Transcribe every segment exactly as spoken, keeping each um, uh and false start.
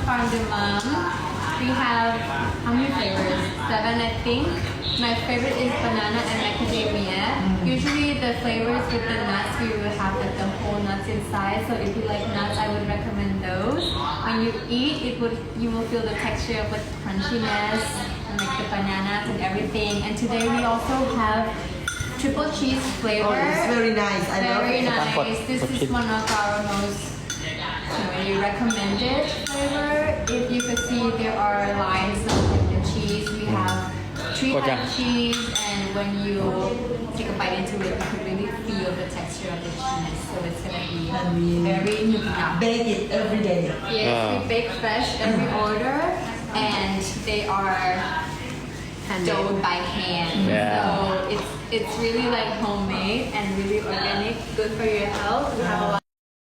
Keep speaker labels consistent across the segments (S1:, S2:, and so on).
S1: Farm de Mum. We have how many flavors? Seven, I think. My favorite is banana and macadamia. Mm. Usually the flavors with the nuts, we will have like the whole nuts inside. So if you like nuts, I would recommend those. When you eat, it would you will feel the texture of the crunchiness and like the bananas and everything. And today we also have triple cheese flavor.
S2: Oh, it's very nice. I love
S1: Very
S2: it.
S1: nice. This is one of our most really recommended flavor. If you could see, there are lines of like the cheese. We have three type cheese, and when you take a bite into it, you can really feel the texture of the cheese. So it's gonna be very nutritious.
S2: Bake it every day.
S1: Yes,
S3: Wow.
S1: we bake fresh every order, and they are doughed by hand.
S3: Yeah.
S1: So it's it's really like homemade and really organic, good for your health. We have a lot.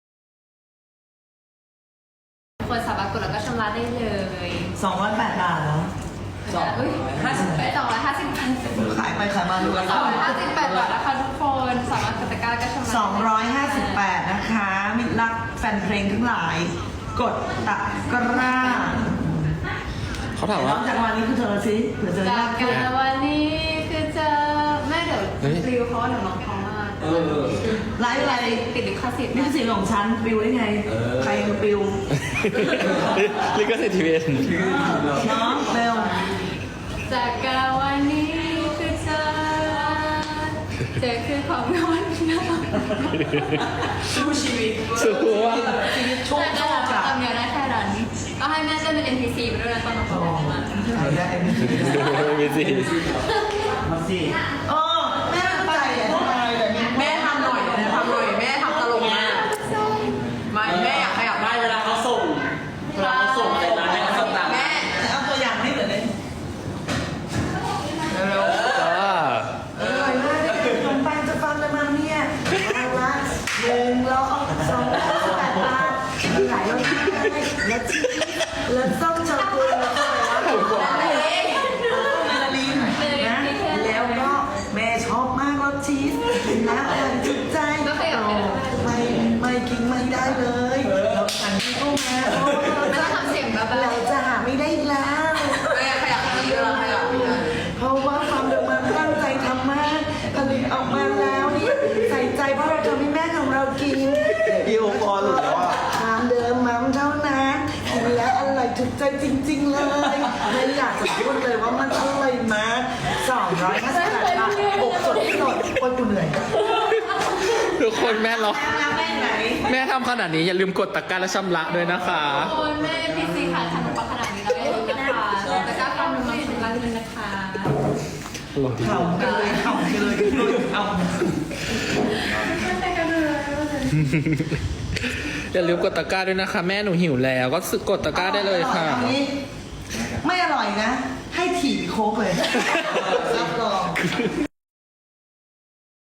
S1: คนสามารถกดแล้วก็ชำระได้เลย
S2: สองร้อยแปดบาทเหรอ
S1: สองห้าสิบแปดสองร้อยห้าสิบแปด
S2: ขายไปขายมาดูกัน
S1: สองร้อยห้าสิบแปดบาทนะคะทุกคนสามารถกดตะกร้าแล้วก็ชำระ
S2: สองร้อยห้าสิบแปดนะคะมิตรรักแฟนเพลงทั้งหลาย กดตะกร้า
S3: เขาถาม
S2: น้
S3: ว่า
S2: องจากวันนี้คือเธอสิเผื่อเจอ
S1: จาก
S2: ยาก
S1: กั
S2: ขึ้น
S1: นวันนี้คือจะแม่เดี๋ยว
S3: เฮ้ย
S1: รีวิวเขาหนูน้องเขามาก
S2: ไลฟ์อะไร
S1: ติดลิขสิทธิ์
S2: นี่คือสิ่งของฉันปิวได้ไง ใครมาปิว
S3: ลิขสิทธิ์ทีวี
S2: น้องเบล
S1: จากกันวันนี้คือเธอเธอคือของนอนนะ
S2: สู้ชีวิต
S3: สู้ว่า
S2: ชีวิตโชคโชค
S1: แต่
S2: อะ
S1: ทำเดียวได้แค่นั้นก็ให้แม่เต้นเป็น เอ็น พี ซี ไปด้วยนะตอนน้องเขาบอกมา
S2: ได้
S3: มีสิ
S2: มาสิเออแม่ตั้งใจอะ
S4: แม่ทำหน่อยนะทำหน่อยแม่ทำตลกมากไม่แม่อยากขยับได้เวลาเขาส่งเวลาเขาส่งอะไรมาแม่เขาส่งตาม
S1: แม่
S2: เอาตัวอย่างให้เหมือนเลย
S4: เร็ว
S3: อ่า
S2: อร่อยมากเลยขนมปังจะฟังเลยมาเนี่ยเอาละหนึ่งร้อยสองร้อยแปดบาทหลายรสชาติและชีสและส้มช็อกโกแลตแล้วก็อะไรวะ เมลาลินนะแล้วก็แม่ชอบมากรสชีสกินแล้วอร่อยจุดใจไม่ไม่กินไม่ได้เลยเราสั่งที่เข้ามาเพราะว่าเรา
S1: ไม่ต้องทำเสียงแบบ
S2: เราจะหาไม่ได้อีกแล้ว
S4: แม่ขยับได้เยอะขยับ
S2: เพราะว่าความเดิมมันตั้งใจทำมากผลิตออกมาแล้วนี่ใส่ใจเพราะเราทำให้แม่ของเรากิน
S5: พี่โอปอหลุดแล้วอ่ะ
S2: ความเดิมมันเท่านั้นกินแล้วอร่อยถูกใจจริงๆเลยไม่อยากจะพูดเลยว่ามันอร่อยมากสองร้อยห้าสิบแปดบาทอกสดที่สดคนกูเหนื่อย
S3: ทุกคนแม่เรา
S2: แม่ไหน
S3: แม่ทำขนาดนี้อย่าลืมกดตะกร้าและชำระด้วยนะคะ
S1: โอนแม่ เอ็น พี ซี ค่ะทำมาขนาดนี้แล้วอย่าลืมนะคะแต่ก็ความรู้มาชำระเงินนะคะ
S2: เข่ากันเลยเข่ากันเลยเข่า
S3: อย่าลืมกดตะกร้าด้วยนะคะ แม่หนูหิวแล้วก็กดตะกร้าได้เลยค่ะ
S2: อันนี้ไม่อร่อยนะ ให้ถีบโค้กเลยรับรอง